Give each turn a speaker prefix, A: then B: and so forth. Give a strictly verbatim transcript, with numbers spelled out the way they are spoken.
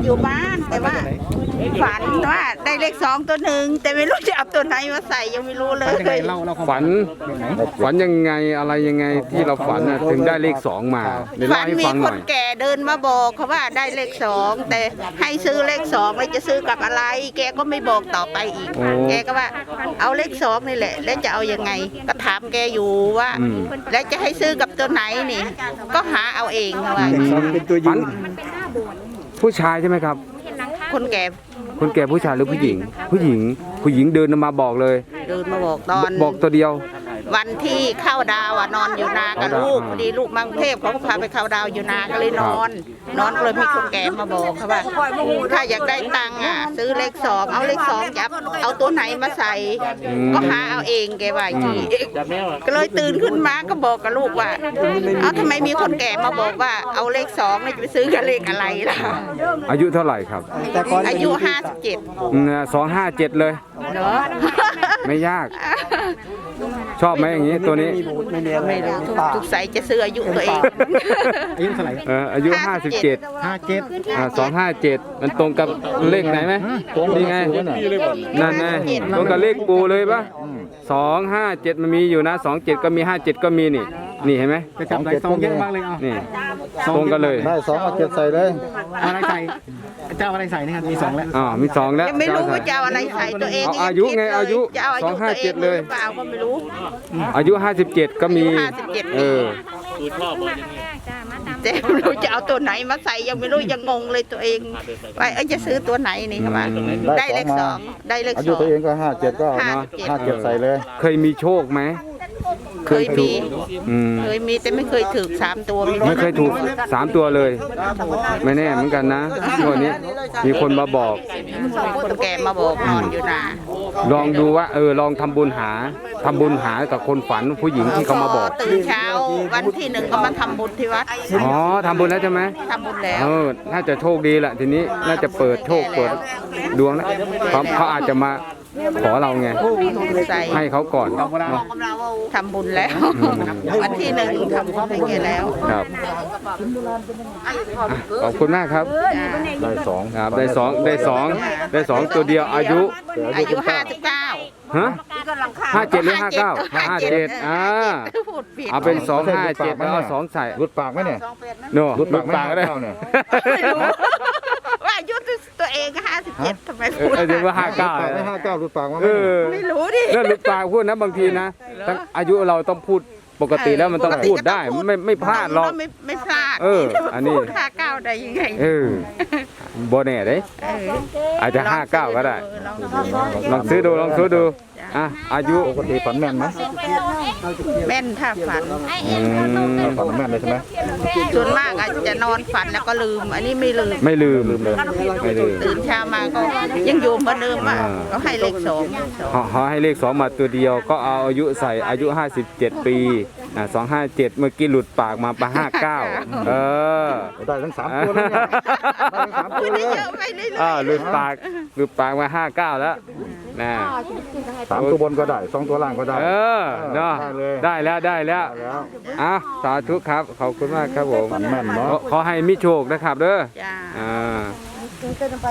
A: อยู่บ้านแต่ว่าฝันว่าได้เลขสองตัวหนึ่งแต่ไม่รู้จะเอาตัวไหนมาใส่ยังไม่รู้เลย
B: ฝันฝันยังไงอะไรยังไงที่เราฝันน่ะถึงได้เลขสองมาเดี๋ยว
A: ฝั
B: เล่าน ให้
A: มี
B: ฟังห
A: ค
B: น่อน ย
A: แก่เดินมาบอกเขาว่าได้เลขสองแต่ให้ซื้อเลขสองแล้วจะซื้อกับอะไร แกก็ไม่บอกต่อไปอีก
B: โอ้
A: แกก็ว่าเอาเลขสองนี่แหละ แล้วจะเอายังไง ก็ถามแกอยู่ว่า
B: อืม
A: แล้วจะให้ซื้อกับตัวไหนนี่ ก็หาเอาเองเขาว่า
B: ฝันผู้ชายใช่ไหมครับ
A: คนแก่
B: คนแก่ผู้ชายหรือผู้หญิง ผู้หญิง ผู้หญิงเดินมาบอกเลย
A: เดินมาบอกตอน
B: บอกตัวเดียว
A: วันที่เข้าดาวอ่ะนอนอยู่นากับ
B: เข้าดาว
A: ลูกพอดีลูกมังเทพเขาก็พาไปเข้าดาวอยู่นาก็เลยนอน นอนก็เลยมีคนแก่มาบอกเขาว่าถ้าอยากได้ตังค์อ่ะ ซื้อเลขสองเอาเลขสองจะเอาตัวไหนมาใส่ ก็หาเอาเองแกว่าอย่างนี้ก็เลยตื่นขึ้นมาก็บอกกับลูกว่าเอาทำไมมีคนแก่มาบอกว่าเอาเลขสองเนี่ยจะไปซื้อกับเลขอะไรล่ะ
B: อายุเท่าไหร่ครับ
A: อายุห้าสิบเจ็ด
B: สองห้าเจ็ดเลย
A: เนาะ
B: ไม่ยาก ชอบไหมอย่างนี้ตัวนี้
A: ไม่รู้ทุกใสยจะซื้ออายุตัวเอง
C: อายุเท่าไหร่
B: เอออายุห้าสิบเจ็ด
C: ห้าเจ็ด
B: อ่าสองห้าเจ็ดมันตรงกับเลขไหนไหมนี่ไงนั่นไงตรงกับเลขปูเลยปะสองห้าเจ็ดมันมีอยู่นะสองเจ็ดก็มีห้าเจ็ดก็มีนี่ นี่เห็นไหม
C: จะจับไหนซองเยอะมากเลยเอา
B: นี่ตรงกันเลย
D: ได้สองเอาเจ็ดใส่เลย
C: เอาอะไรใส่เจ้าอะไรใส่นะครับมีสองแล้ว
B: อ๋อมีสองแล้ว
A: ยังไม่รู้ว่าจะเอาอะไรใส่ตัวเอง
B: เอาอายุไงอายุ
A: จะเอาอายุ
B: สองห้าเจ็ด
A: ตัวอง
B: เลย
A: หรือเปล่าก็ไม่รู้
B: อายุห้าสิบเจ็ดก็มี
A: อายุห้าสิบเจ็ด
B: เออ
A: แต่ไม่รู้จะเอาตัวไหนมาใส่ยังไม่รู้ยังงงเลยตัวเองว่าเอ้ยจะซื้อตัวไหนนี่ครับว่าได้เลขสองได้เลข
D: อา
A: ส
D: ยุ
A: อง
D: ตัวเองก็ห้าเจ็ดก็เอา
A: ห้า
D: เนาะ
A: สิบเจ็ด
D: ห้าเจ็ดใส่เลย
B: เคยมีโชคไหม
A: เคยมี
B: อืม
A: เคยมีแต่ไม่เคยถือสามตัว
B: ไม่เคยถูกสามตัวเลย ไม่แน่เหมือนกันนะวันนี้มีคนมาบอก
A: คนแก่มาบอกนอนอยู่นา
B: ลองดูว่าเออลองทำบุญหาทำบุญหากับคนฝันผู้หญิงที่เขามาบอก
A: ตื่นเช้าวันที่หนึ่งก็มาทำบุญที่วัด
B: อ๋อทำบุญแล้วใช่ไหม
A: ทำบุญแล้ว
B: เออน่าจะโชคดีแหละทีนี้น่าจะเปิดโชคเปิดดวงนะเขาเขาอาจจะมาขอเราไง
A: ใส่
B: ให้เขาก่อนเนาะ
A: ทำบุญแล้ว วันที่หนึ่งทำบุญให้แกแล้ว
B: ครับขอบคุณมากครับ
D: ได้สอง
B: ครับได้สองได้สองได้สองตัวเดียวอายุ
A: อายุห้าสิบเก้า
B: ฮะห้าเจ็ดหรือห้าเก้าห้าเจ็ดอ่า
A: พูดผิด
B: เอาเป็นสองห้าเจ็ดแล้วเอาสองใส่
D: รุดปากไหมเนี่ย
B: โน่
D: รุด
B: หลุ
D: ปาก
B: ดปากก็ได้
D: เก้าเนี่ย
A: ไม่รู้ว่าอายุตัวเองห้าสิบเจ็ดทำไม
B: เอ
A: พู
B: อ
A: ด
B: เออเดี๋ยวว่าห้าเก้า
D: ปากไม่ห้าเก้ารุดปากมาไหม
B: เออ
A: ไม่รู้ดิ
B: เรื่องหลุดปากพูดนะบางทีนะทั้งอายุเราต้องพูดปกติแล้วมันต้องพูดได้ไม่ไม่พลาดหรอก
A: ไม่ไม่พลาด
B: เอออันนี้
A: พูดห้าเก้าได้ยังไง
B: เออโบแน่เด้
A: เออ
B: อาจจะห้าเก้าก็ได้
A: ลองดู
B: ลองซื้อดูลองซื้อดูอ่ะอายุ
D: ปกติฝันแม่นไหม
A: แม่นถ้าฝัน
B: อืม
D: ฝันแม่นเลยใช่ไหม
A: ส่วนมากอาจจะนอนฝันแล้วก็ลืม อันนี้ไม่ลืม
B: ไม่ลืมไม่ลืม
A: ตื่นเช้ามาก็ยังอยู่เหมือนเดิมอ่ะ
B: อ่า
A: ก็ให้เลขสองสอง
B: เขาเขาให้เลขสองมาตัวเดียวก็เอาอายุใส่อายุห้าสิบเจ็ดปีอ่ะสองห้าเจ็ดเมื่อกี้หลุดปากมาปะห้าเก้าเออ
D: ได้ทั้งสามตัวเลยเนี่ยได้ทั้งสามตัวเลย
A: เยอะไปเรื่อย
B: อ่าหลุดปากหลุดปากมาห้าเก้าแล้วนะ
D: สามตัวบนก็ได้สองตัวล่างก็ได้
B: เออเนาะ
D: ได้เลย
B: ได้แล้วได้แล้ว
D: ได้แล้ว
B: อ่ะสาธุครับขอบคุณมากครับผม
D: ฝันแม่นเนาะ
B: ขอขอให้มีโชคนะครับเด้อ
A: ๆจ้า
B: อ่า